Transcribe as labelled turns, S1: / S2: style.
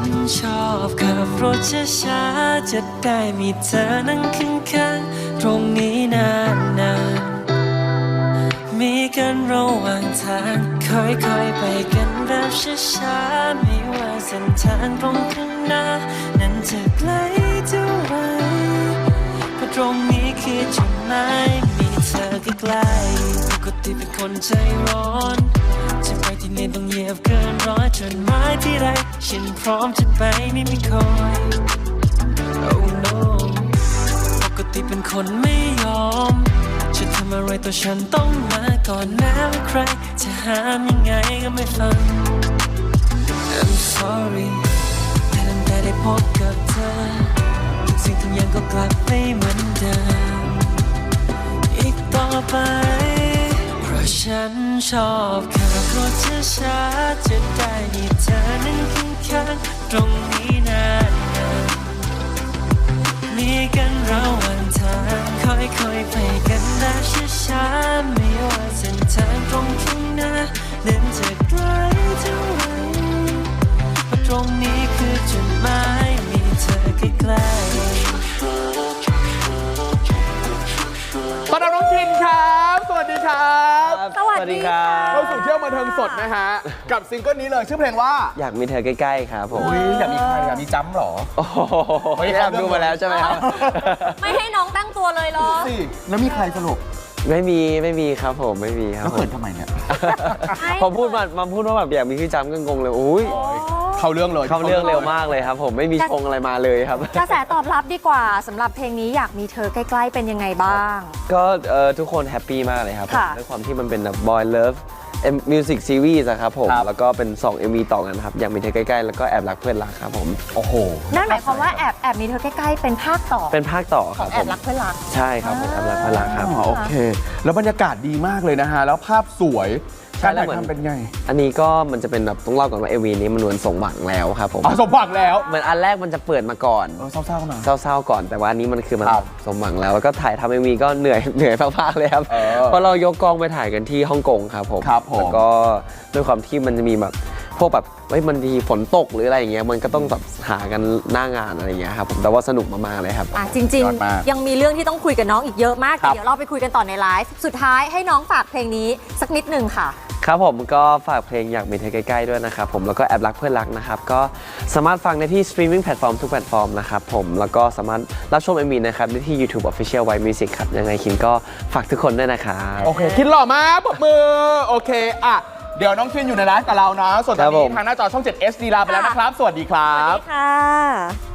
S1: นชอบขับรถช้าๆจะได้มีเธอนั่งข้างๆตรงนี้นานๆมีกันระหว่างทางค่อยๆไปกันแบบช้าๆไม่ว่าเส้นทางตรงข้างหน้านั้นจะไกลเท่าไรเพราะตรงนี้คือจุดหมายมีเธอใกล้ๆปกติเป็นคนใจร้อนจะไปที่ไหนต้องเหยียบเกินร้อยจนหมายที่ไรฉันพร้อมจะไปไม่คอย Oh no ปกติเป็นคนไม่ยอมจะทำอะไรตัวฉันต้องมาก่อนแม้ว่าใครจะห้ามยังไงก็ไม่ฟัง I'm sorry แต่ตั้งแต่ได้พบกับเธอทุกสิ่งทุกอย่างก็กลับไม่เหมือนเดิมอีกต่อไปเพราะฉันชอบขับรถช้าๆจะได้มีเธอนั่งข้างๆตรงนี้นานๆมีกันระหว่างทางค่อยๆไปกันแบบช้าๆไม่ว่าเส้นทางตรงข้างหน้านั้นจะไกลเท่าไหร่เพราะตรงนี้คือจุดหมายมีเธอใกล้
S2: ต้อนรับน้องทินครับสวัสดีครับ
S3: สวัสดีครับ
S2: เข้าสู่เที่ยวบันเทิงสดนะฮะกับซิงเกิลนี้เลยชื่อเพลงว่า
S4: อยากมีเธอใกล้ๆครับผม
S2: อยากมีใครอยากมีจัมป์หรอ
S4: โอ้โหแอบดูมาแล้วใช่ไหมครับ
S3: ไม่ให้น้องตั้งตัวเลยเหรอ
S2: สิแล้วมีใครสรุป
S4: ไม่มีครับผมไม่มีครับ
S2: แล้ว
S4: ผ
S2: เขิ
S4: ม
S2: นทำไมเนี่ย
S4: พอพูดว่าแบบอยากมีพี่จำก็งงเลยอุ้ย
S2: เข้าเรื่องเลย
S4: เข้าเรื่องเร็วมากเลยครับผมไม่มีชงอะไรมาเลยครับ
S3: กระแสตอบรับดีกว่าสำหรับเพลงนี้อยากมีเธอใกล้ๆเป็นยังไงบ้าง
S4: ก็ทุกคนแฮปปี้มากเลยครับผม
S3: ค่ะ
S4: ด้วยความที่มันเป็นแบบ Boy Love Music Series อะครับผมแล้วก็เป็น2 MV ต่อกันครับอยากมีเธอใกล้ๆแล้วก็แอบรักเพื่อนรักครับผม
S2: โอ้โห
S3: นั่นหมายความว่าแอบมีเธอใกล้ๆเป็นภาคต่อ
S4: เป็นภาคต่อ
S3: ข
S4: ค
S3: อ
S4: รั
S3: ง
S4: บ
S3: แอ
S4: ผ
S3: บ
S4: ม
S3: รักเพื่อนรัก
S4: ใช่ครับผมแอบรักเพื่อนรักครับ
S2: โอเค แล้วบรรยากาศดีมากเลยนะฮะแล้วภาพสวย
S4: ใช่
S2: การ
S4: แล้ว
S2: ถ่าย
S4: เหมือน
S2: ทำเป็นไง
S4: อันนี้ก็มันจะเป็นแบบต้องเล่าก่อนว่า MV นี้มันเหมือนส่งหวังแล้วครับผม
S2: สมหวังแล้ว
S4: เหมือนอันแรกมันจะเปิดมาก่อน
S2: เศร้าๆหน่อย
S4: เศร้าๆก่อนแต่ว่าอันนี้มันคือมัน
S2: ครับ
S4: สมหวังแล้วแล้วก็ถ่ายทำ MV ก็เหนื่อยมากๆเลยครับ เพราะเรายกกองไปถ่ายกันที่ฮ่องกงครับผม
S2: ครับผม
S4: แล้วก็ด้วยความที่มันจะมีแบบพวกแบบมันมีฝนตกหรืออะไรอย่างเงี้ยมันก็ต้องแบบหากันหน้างานอะไรอย่างเงี้ยครับผมแต่ว่าสนุกมากๆเลยครับ
S3: จริง
S2: ยอดมาก
S3: ๆ ยังมีเรื่องที่ต้องคุยกับน้องอีกเยอะมาก
S2: ครับ
S3: แต่เดี๋ยวเราไปคุยกันต่อในไลฟ์สุดท้ายให้น้องฝากเพลงนี้สักนิดหนึ่งค่ะ
S4: ครับผมก็ฝากเพลงอยากมีเธอใกล้ๆด้วยนะครับผมแล้วก็แอบรักเพื่อนรักนะครับก็สามารถฟังได้ที่สตรีมมิ่งแพลตฟอร์มทุกแพลตฟอร์มนะครับผมแล้วก็สามารถรับชม MV นะครับได้ที่ YouTube Official White Music ครับยังไงคินก็ฝากทุกคนด้วยนะครับ
S2: โอเคคิดหล่อมากปรบมือโอเคอ่ะเดี๋ยวน้องคินอยู่ในไลฟ์กับเรานะส่วนตอน
S4: ครับผ
S2: นี้
S4: ม
S2: ทางหน้าจอช่อง 7 HD ลาไปแล้วนะครับ สวัสดีครั
S3: สวัส
S2: บ
S3: ดีค่ะ